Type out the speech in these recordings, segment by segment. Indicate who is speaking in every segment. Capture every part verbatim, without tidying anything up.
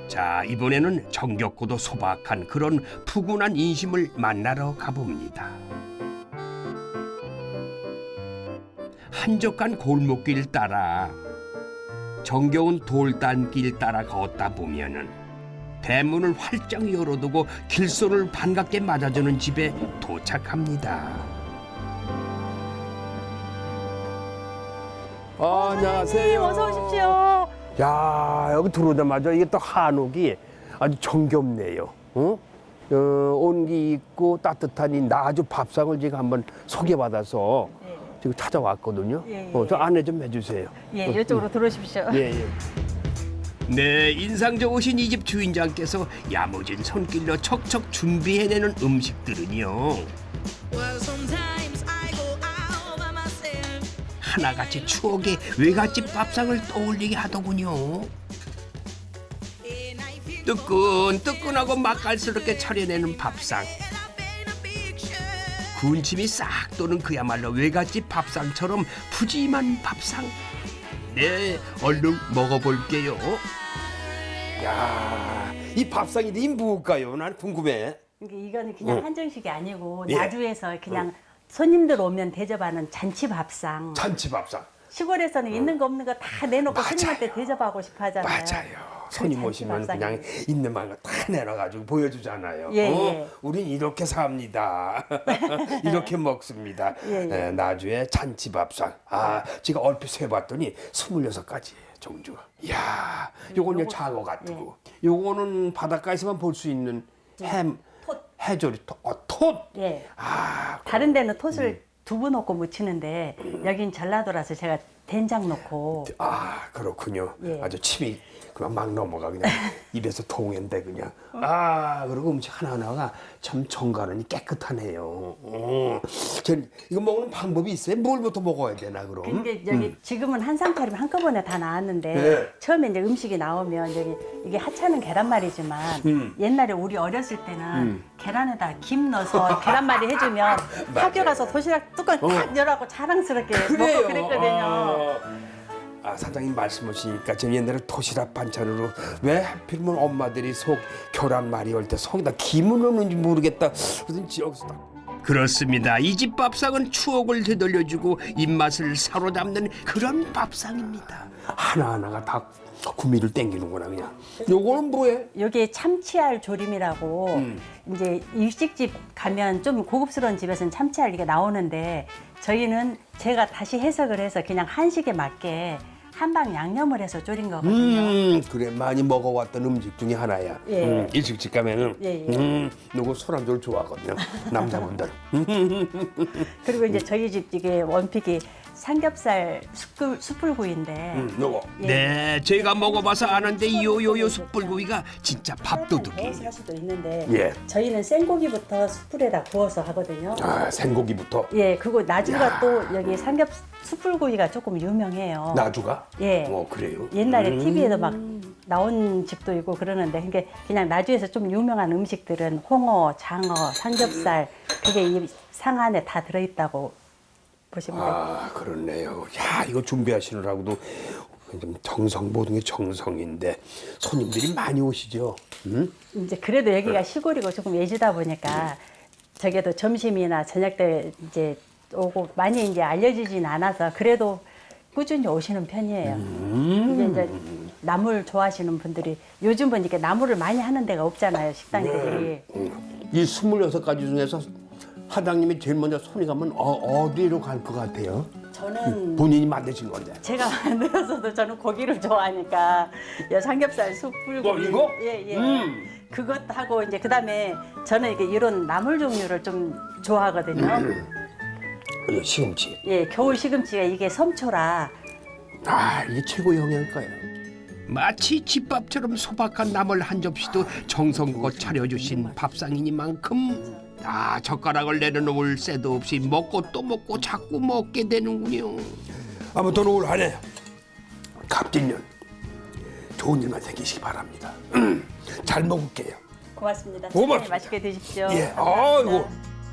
Speaker 1: 자, 이번에는 정겹고도 소박한 그런 푸근한 인심을 만나러 가봅니다. 한적한 골목길 따라 정겨운 돌담길 따라 걷다 보면은 대문을 활짝 열어두고 길손을 반갑게 맞아주는 집에 도착합니다.
Speaker 2: 아, 안녕하세요.
Speaker 3: 어서 오십시오.
Speaker 2: 야, 여기 들어오자마자 이게 또 한옥이 아주 정겹네요. 어? 어, 온기 있고 따뜻한 이 나주 밥상을 지금 한번 소개받아서
Speaker 3: 네.
Speaker 2: 지금 찾아왔거든요.
Speaker 3: 예, 예.
Speaker 2: 어, 저 안내 좀 해주세요.
Speaker 3: 예, 이쪽으로 들어오십시오.
Speaker 2: 예, 예.
Speaker 1: 네, 인상 좋으신 이 집 주인장께서 야무진 손길로 척척 준비해내는 음식들은요, 하나같이 추억의 외갓집 밥상을 떠올리게 하더군요. 뜨끈뜨끈하고 맛깔스럽게 차려내는 밥상, 군침이 싹 도는 그야말로 외갓집 밥상처럼 푸짐한 밥상. 네, 얼른 먹어볼게요.
Speaker 2: 야, 이 밥상이 이 무엇일까요? 난 궁금해.
Speaker 3: 이게 이거는 그냥
Speaker 2: 어.
Speaker 3: 한정식이 아니고
Speaker 2: 예.
Speaker 3: 나주에서 그냥 손님들 오면 대접하는 잔치 밥상.
Speaker 2: 잔치 밥상.
Speaker 3: 시골에서는 있는 거 없는 거 다 내놓고
Speaker 2: 맞아요.
Speaker 3: 손님한테 대접하고 싶어 하잖아요.
Speaker 2: 맞아요. 손님
Speaker 3: 잔치
Speaker 2: 오시면
Speaker 3: 밥상이에요.
Speaker 2: 그냥 있는 말로 다 내놔가지고 보여주잖아요.
Speaker 3: 예,
Speaker 2: 어?
Speaker 3: 예.
Speaker 2: 우린 이렇게 삽니다. 이렇게 먹습니다.
Speaker 3: 예, 예.
Speaker 2: 에, 나주의 잔치밥상. 아, 제가 얼핏 세봤더니 스물여섯 가지예요, 종류가. 이야, 요건 이제
Speaker 3: 요거-
Speaker 2: 장어 같고. 요거는 바닷가에서만 볼 수 있는 햄,
Speaker 3: 톳.
Speaker 2: 해조리, 톳. 어, 톳.
Speaker 3: 예.
Speaker 2: 아,
Speaker 3: 다른 데는 톳을 두부 넣고 무치는데 여긴 전라도라서 제가 된장 넣고
Speaker 2: 아, 그렇군요.
Speaker 3: 예.
Speaker 2: 아주 침이 그만 막 넘어가 그냥 입에서 통인데 그냥. 아, 그리고 음식 하나하나가 참 정갈하니 깨끗하네요. 어. 전 이거 먹는 방법이 있어요? 뭘부터 먹어야 되나 그럼?
Speaker 3: 근데 여기 지금은 한상 차림 한꺼번에 다 나왔는데
Speaker 2: 네.
Speaker 3: 처음에 이제 음식이 나오면 여기 이게 하찮은 계란말이지만
Speaker 2: 음.
Speaker 3: 옛날에 우리 어렸을 때는 계란에다 김 넣어서 계란말이 해주면 학교 가서 도시락 뚜껑 탁 열어갖고 자랑스럽게 먹고 그랬거든요.
Speaker 2: 아, 아, 사장님 말씀하시니까 저 옛날에 도시락 반찬으로 왜 하필이면 엄마들이 속 계란말이 할 때 속에다 김을 넣는지 모르겠다. 그러든지 여기서 딱.
Speaker 1: 그렇습니다. 이 집 밥상은 추억을 되돌려주고 입맛을 사로잡는 그런 밥상입니다.
Speaker 2: 하나하나가 다 구미를 땡기는구나 그냥. 요거는 뭐예요?
Speaker 3: 여기 참치알 조림이라고
Speaker 2: 음.
Speaker 3: 이제 일식집 가면 좀 고급스러운 집에서는 참치알 이게 나오는데 저희는 제가 다시 해석을 해서 그냥 한식에 맞게 한방 양념을 해서 졸인 거거든요.
Speaker 2: 음, 그래 많이 먹어왔던 음식 중에 하나야.
Speaker 3: 예.
Speaker 2: 음, 일식집 가면은
Speaker 3: 예, 예.
Speaker 2: 음, 누구 술안주를 좋아하거든요. 남자분들.
Speaker 3: 그리고 이제 저희 집 이게 원픽이 삼겹살 숯불, 숯불구이인데
Speaker 2: 음, 요거.
Speaker 3: 예.
Speaker 1: 네, 제가 먹어봐서 아는데 요요요 숯불구이가 진짜
Speaker 3: 구워서
Speaker 1: 밥도둑이에요.
Speaker 3: 할 수도 있는데
Speaker 2: 예.
Speaker 3: 저희는 생고기부터 숯불에다 구워서 하거든요.
Speaker 2: 아, 생고기부터.
Speaker 3: 예, 그리고 나주가
Speaker 2: 야.
Speaker 3: 또 여기 삼겹 숯불구이가 조금 유명해요.
Speaker 2: 나주가?
Speaker 3: 예.
Speaker 2: 어, 그래요.
Speaker 3: 옛날에
Speaker 2: 음.
Speaker 3: 티비에도 막 나온 집도 있고 그러는데 그게 그냥 나주에서 좀 유명한 음식들은 홍어, 장어, 삼겹살 그게 이 상 안에 다 들어있다고 보시면 돼요.
Speaker 2: 아, 그렇네요. 야, 이거 준비하시느라고도 좀 정성, 모든 게 정성인데 손님들이 많이 오시죠? 음?
Speaker 3: 이제 그래도 여기가 시골이고 조금 예지다 보니까 저게도 점심이나 저녁 때 이제 오고 많이 이제 알려지진 않아서 그래도 꾸준히 오시는 편이에요. 이게 이제 나물 좋아하시는 분들이 요즘은 이렇게 나물을 많이 하는 데가 없잖아요, 식당들이.
Speaker 2: 이 스물여섯 가지 중에서 사장님이 제일 먼저 손이 가면 어, 어디로 갈 것 같아요?
Speaker 3: 저는
Speaker 2: 본인이 만드신 건데.
Speaker 3: 제가 만들어서도 저는 고기를 좋아하니까 여 삼겹살 숯불고기
Speaker 2: 어, 이거?
Speaker 3: 예, 예.
Speaker 2: 음.
Speaker 3: 그것 하고 이제 그다음에 저는 이게 이런 나물 종류를 좀 좋아하거든요.
Speaker 2: 그리고 시금치.
Speaker 3: 예, 겨울 시금치가 이게 섬초라
Speaker 2: 아, 이게 최고 영양가예요.
Speaker 1: 마치 집밥처럼 소박한 나물 한 접시도 정성껏 차려주신 밥상이니만큼 아, 젓가락을 내려놓을 새도 없이 먹고 또 먹고 자꾸 먹게 되는군요.
Speaker 2: 아무튼 올 한 해 갑진년 좋은 일만 생기시기 바랍니다. 잘 먹을게요.
Speaker 3: 고맙습니다.
Speaker 2: 고맙습니다.
Speaker 3: 식사님 맛있게 드십시오.
Speaker 2: 예,
Speaker 3: 감사합니다.
Speaker 2: 아이고.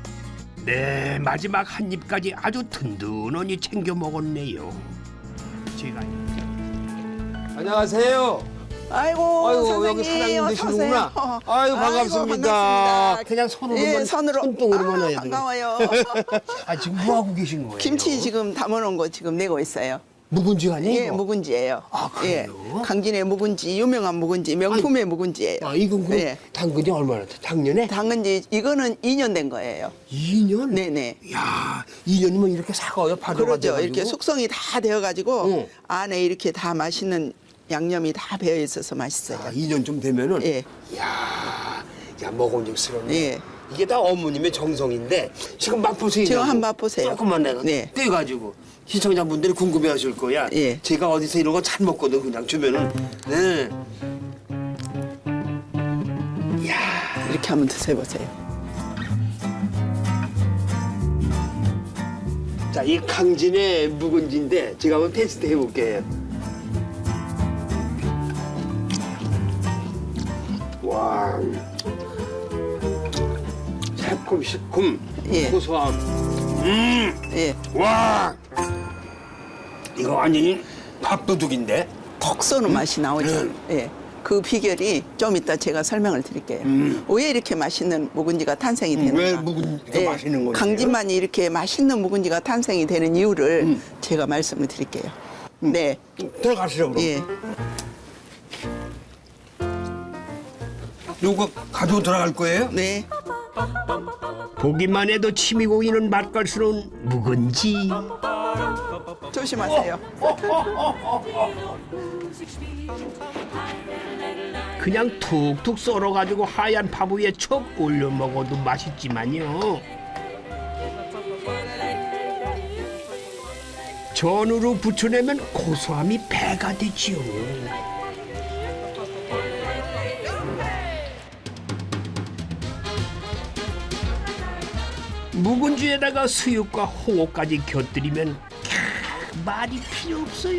Speaker 1: 네, 마지막 한 입까지 아주 든든하니 챙겨 먹었네요. 제가
Speaker 2: 안녕하세요.
Speaker 4: 아이고,
Speaker 2: 아이고
Speaker 4: 선생님,
Speaker 2: 여기 사장님
Speaker 4: 어서
Speaker 2: 되시는구나.
Speaker 4: 오세요.
Speaker 2: 아이고 반갑습니다.
Speaker 4: 반갑습니다.
Speaker 2: 그냥 손으로만
Speaker 4: 예, 손으로.
Speaker 2: 손등으로만
Speaker 4: 아,
Speaker 2: 해야 돼요.
Speaker 4: 반가워요.
Speaker 2: 아 지금 뭐 하고 계신 거예요?
Speaker 4: 김치 지금 담아놓은 거 지금 내고 있어요.
Speaker 2: 묵은지 아니에요?
Speaker 4: 예, 묵은지예요.
Speaker 2: 아, 그래요?
Speaker 4: 예, 강진의 묵은지, 유명한 묵은지, 명품의 묵은지예요.
Speaker 2: 아 이건 그럼
Speaker 4: 예.
Speaker 2: 당근이 얼마나 돼? 작년에?
Speaker 4: 당근지 이거는 이 년 된 거예요.
Speaker 2: 이 년?
Speaker 4: 네네.
Speaker 2: 야, 이 년이면 이렇게 사과요? 파도가
Speaker 4: 그러죠.
Speaker 2: 돼가지고?
Speaker 4: 이렇게 숙성이 다 되어가지고
Speaker 2: 응.
Speaker 4: 안에 이렇게 다 맛있는 양념이 다 배어 있어서 맛있어요.
Speaker 2: 아, 이 년 좀 되면은
Speaker 4: 예.
Speaker 2: 야, 야 먹음직스럽네.
Speaker 4: 예.
Speaker 2: 이게 다 어머님의 정성인데 지금 맛보세요.
Speaker 4: 지금 한번 맛보세요.
Speaker 2: 조금만 내가
Speaker 4: 네.
Speaker 2: 떼가지고 시청자분들이 궁금해하실 거야.
Speaker 4: 예.
Speaker 2: 제가 어디서 이런 거 잘 먹거든 그냥 주면은. 네.
Speaker 4: 이렇게 한번 드셔보세요.
Speaker 2: 자, 이 강진의 묵은지인데 제가 한번 테스트 해볼게요. 와, 새콤 시큼
Speaker 4: 예.
Speaker 2: 고소함. 음,
Speaker 4: 예.
Speaker 2: 와, 이거 완전히 밥도둑인데.
Speaker 4: 톡 쏘는 맛이 나오죠.
Speaker 2: 음.
Speaker 4: 예. 그 비결이 좀 이따 제가 설명을 드릴게요. 왜 이렇게 맛있는 묵은지가 탄생이 되는가?
Speaker 2: 왜 묵은지가 맛있는 거예요?
Speaker 4: 강진만이 이렇게 맛있는 묵은지가 탄생이 되는 이유를
Speaker 2: 음.
Speaker 4: 제가 말씀을 드릴게요. 네.
Speaker 2: 들어가시죠 그럼.
Speaker 4: 예.
Speaker 2: 이거 가지고 들어갈 거예요?
Speaker 4: 네.
Speaker 1: 보기만 해도 침이 고이는 맛깔스러운 묵은지.
Speaker 4: 조심하세요.
Speaker 1: 그냥 툭툭 썰어가지고 하얀 밥 위에 척 올려 먹어도 맛있지만요. 전으로 부쳐내면 고소함이 배가 되지요. 묵은지에다가 수육과 홍어까지 곁들이면 캬, 말이 필요 없어요.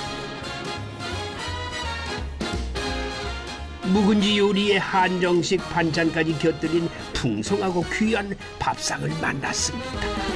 Speaker 1: 묵은지 요리에 한정식 반찬까지 곁들인 풍성하고 귀한 밥상을 만났습니다.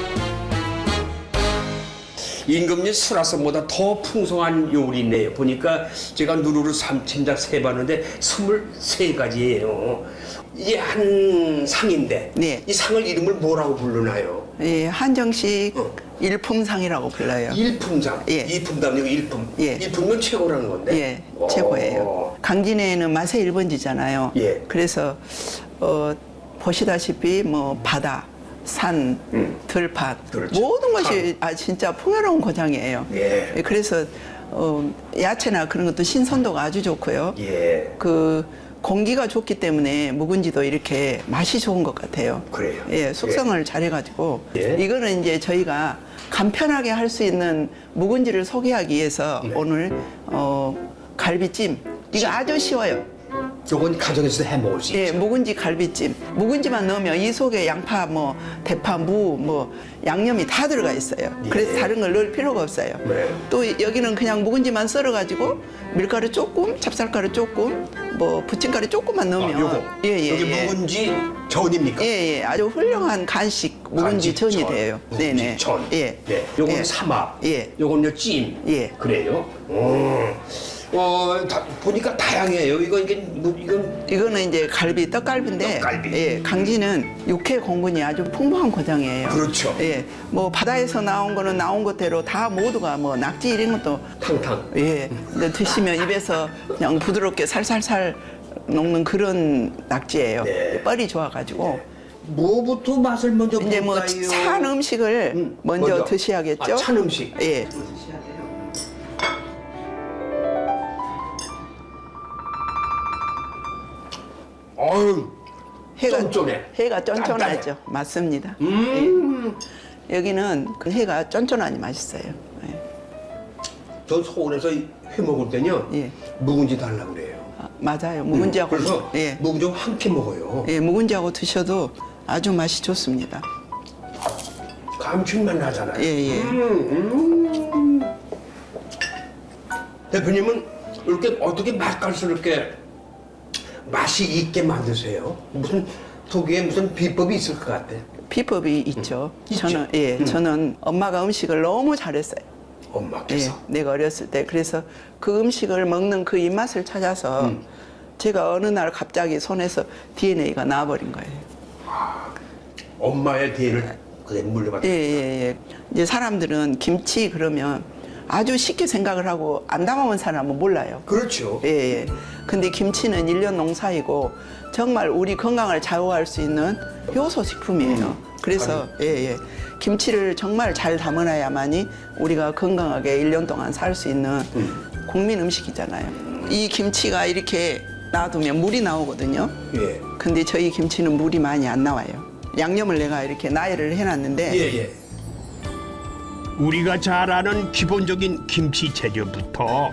Speaker 2: 임금님 수라상보다 더 풍성한 요리네요. 보니까 제가 누루루 삼친작 세봤는데 스물세 가지예요. 이게 한 상인데
Speaker 4: 네.
Speaker 2: 이 상을 이름을 뭐라고 부르나요?
Speaker 4: 예, 한정식
Speaker 2: 어.
Speaker 4: 일품상이라고 불러요.
Speaker 2: 일품상.
Speaker 4: 예.
Speaker 2: 이품도 아니고 일품.
Speaker 4: 예.
Speaker 2: 일품은 최고라는 건데.
Speaker 4: 예,
Speaker 2: 오.
Speaker 4: 최고예요. 강진에는 맛의 일 번지잖아요.
Speaker 2: 예.
Speaker 4: 그래서 어, 보시다시피 뭐 바다, 산,
Speaker 2: 음.
Speaker 4: 들밭
Speaker 2: 그렇죠.
Speaker 4: 모든 것이 아 진짜 풍요로운 고장이에요.
Speaker 2: 예.
Speaker 4: 그래서 어, 야채나 그런 것도 신선도가 아주 좋고요.
Speaker 2: 예.
Speaker 4: 그 공기가 좋기 때문에 묵은지도 이렇게 맛이 좋은 것 같아요.
Speaker 2: 그래요?
Speaker 4: 예, 숙성을 잘해가지고
Speaker 2: 예.
Speaker 4: 이거는 이제 저희가 간편하게 할 수 있는 묵은지를 소개하기 위해서
Speaker 2: 네.
Speaker 4: 오늘 어, 갈비찜 이거 아주 쉬워요.
Speaker 2: 요건 가정에서 해 먹을 수
Speaker 4: 예,
Speaker 2: 있죠.
Speaker 4: 묵은지 갈비찜. 묵은지만 넣으면 이 속에 양파, 뭐 대파, 무, 뭐 양념이 다 들어가 있어요.
Speaker 2: 예.
Speaker 4: 그래서 다른 걸 넣을 필요가 없어요.
Speaker 2: 네.
Speaker 4: 또 여기는 그냥 묵은지만 썰어가지고 밀가루 조금, 찹쌀가루 조금, 뭐 부침가루 조금만
Speaker 2: 아,
Speaker 4: 넣으면
Speaker 2: 요거.
Speaker 4: 예, 예,
Speaker 2: 여기
Speaker 4: 예.
Speaker 2: 묵은지 전입니까?
Speaker 4: 예, 예, 아주 훌륭한 간식 묵은지
Speaker 2: 간식
Speaker 4: 전이
Speaker 2: 전,
Speaker 4: 돼요.
Speaker 2: 묵은지
Speaker 4: 네네.
Speaker 2: 전.
Speaker 4: 예.
Speaker 2: 네. 요거는
Speaker 4: 예.
Speaker 2: 삼합.
Speaker 4: 예.
Speaker 2: 요거는요 찜.
Speaker 4: 예.
Speaker 2: 그래요? 음. 어, 다, 보니까 다양해요. 이거 이게 뭐 이건
Speaker 4: 이거는 이제 갈비, 떡갈비인데,
Speaker 2: 떡갈비.
Speaker 4: 예, 강진은 육회 공군이 아주 풍부한 고장이에요.
Speaker 2: 그렇죠.
Speaker 4: 예, 뭐 바다에서 나온 거는 나온 것대로 다 모두가 뭐 낙지 이런 것도
Speaker 2: 탕탕.
Speaker 4: 예, 근데 드시면 입에서 그냥 부드럽게 살살살 녹는 그런 낙지예요.
Speaker 2: 네.
Speaker 4: 뻘이 좋아가지고
Speaker 2: 뭐부터 맛을 먼저
Speaker 4: 이제 뭐
Speaker 2: 볼까요?
Speaker 4: 찬 음식을
Speaker 2: 음,
Speaker 4: 먼저,
Speaker 2: 먼저.
Speaker 4: 드셔야겠죠.
Speaker 2: 아, 찬 음식.
Speaker 4: 예.
Speaker 2: 어유.
Speaker 4: 해가
Speaker 2: 쫀쫀해.
Speaker 4: 해가 쫀쫀하죠.
Speaker 2: 짠짠해.
Speaker 4: 맞습니다.
Speaker 2: 음.
Speaker 4: 예. 여기는 그 해가 쫀쫀하니 맛있어요. 예.
Speaker 2: 전 서울에서 회 먹을 때는요.
Speaker 4: 예.
Speaker 2: 묵은지 달라 그래요.
Speaker 4: 아, 맞아요. 묵은지하고
Speaker 2: 그래서
Speaker 4: 예.
Speaker 2: 묵은지 함께 먹어요.
Speaker 4: 예, 묵은지하고 드셔도 아주 맛이 좋습니다.
Speaker 2: 감칠맛 나잖아요.
Speaker 4: 예, 예.
Speaker 2: 음, 음. 대표님은 이렇게 어떻게 맛깔스럽게 맛이 있게 만드세요? 무슨 독일에 무슨 비법이 있을 것 같아.
Speaker 4: 비법이 있죠.
Speaker 2: 있죠?
Speaker 4: 저는 예,
Speaker 2: 음.
Speaker 4: 저는 엄마가 음식을 너무 잘했어요.
Speaker 2: 엄마께서.
Speaker 4: 예, 내가 어렸을 때. 그래서 그 음식을 먹는 그 입맛을 찾아서
Speaker 2: 음.
Speaker 4: 제가 어느 날 갑자기 손에서 디엔에이가 나와버린 거예요.
Speaker 2: 엄마의 뒤를 그대로 물려받았다.
Speaker 4: 예, 예, 예. 이제 사람들은 김치 그러면 아주 쉽게 생각을 하고 안 담아본 사람은 몰라요.
Speaker 2: 그렇죠.
Speaker 4: 예, 예. 근데 김치는 일년 농사이고 정말 우리 건강을 좌우할 수 있는 효소 식품이에요. 그래서 예, 예. 김치를 정말 잘 담아놔야만이 우리가 건강하게 일 년 동안 살 수 있는 국민 음식이잖아요. 이 김치가 이렇게 놔두면 물이 나오거든요.
Speaker 2: 예.
Speaker 4: 근데 저희 김치는 물이 많이 안 나와요. 양념을 내가 이렇게 나열을 해놨는데
Speaker 2: 예, 예.
Speaker 1: 우리가 잘 아는 기본적인 김치 재료부터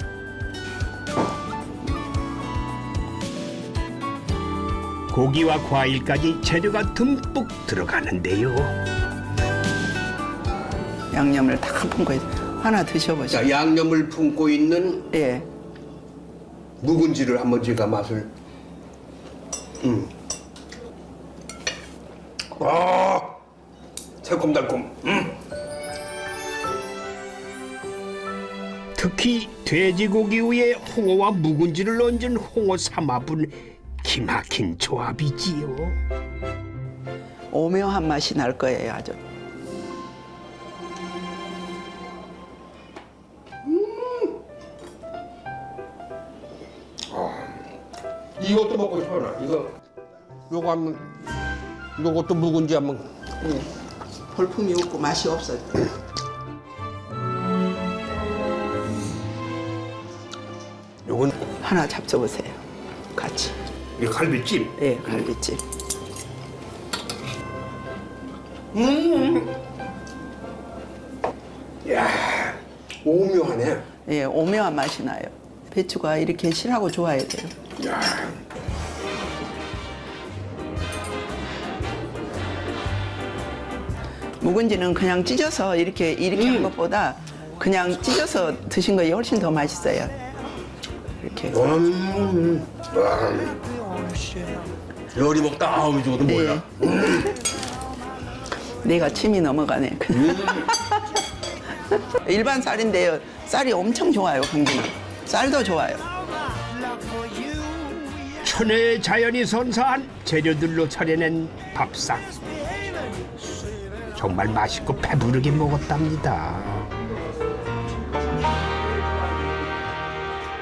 Speaker 1: 고기와 과일까지 재료가 듬뿍 들어가는데요.
Speaker 4: 양념을 다 품고 있 하나 드셔보시죠.
Speaker 2: 자, 양념을 품고 있는
Speaker 4: 예.
Speaker 2: 묵은지를 한번 제가 맛을. 음. 아, 새콤달콤. 음.
Speaker 1: 특히 돼지고기 위에 홍어와 묵은지를 얹은 홍어 삼합은 기막힌 조합이지요.
Speaker 4: 오묘한 맛이 날 거예요, 아주.
Speaker 2: 이것도 먹고 싶어요. 이거, 요거 한번, 요것도 묵은지 한번.
Speaker 4: 예. 볼품이 없고 맛이 없어요.
Speaker 2: 요건
Speaker 4: 하나 잡숴보세요. 같이.
Speaker 2: 이 갈비찜.
Speaker 4: 예, 갈비찜.
Speaker 2: 야, 오묘하네.
Speaker 4: 예, 오묘한 맛이 나요. 배추가 이렇게 실하고 좋아야 돼요.
Speaker 2: 야,
Speaker 4: 묵은지는 그냥 찢어서 이렇게 이렇게 한 것보다 그냥 찢어서 드신 거 훨씬 더 맛있어요. 이렇게.
Speaker 2: 음, 와. 요리 먹다 아우 저것도 뭐야?
Speaker 4: 내가 침이 넘어가네. 일반 쌀인데요. 쌀이 엄청 좋아요, 강진은. 쌀도 좋아요.
Speaker 1: 천혜의 자연이 선사한 재료들로 차려낸 밥상. 정말 맛있고 배부르게 먹었답니다.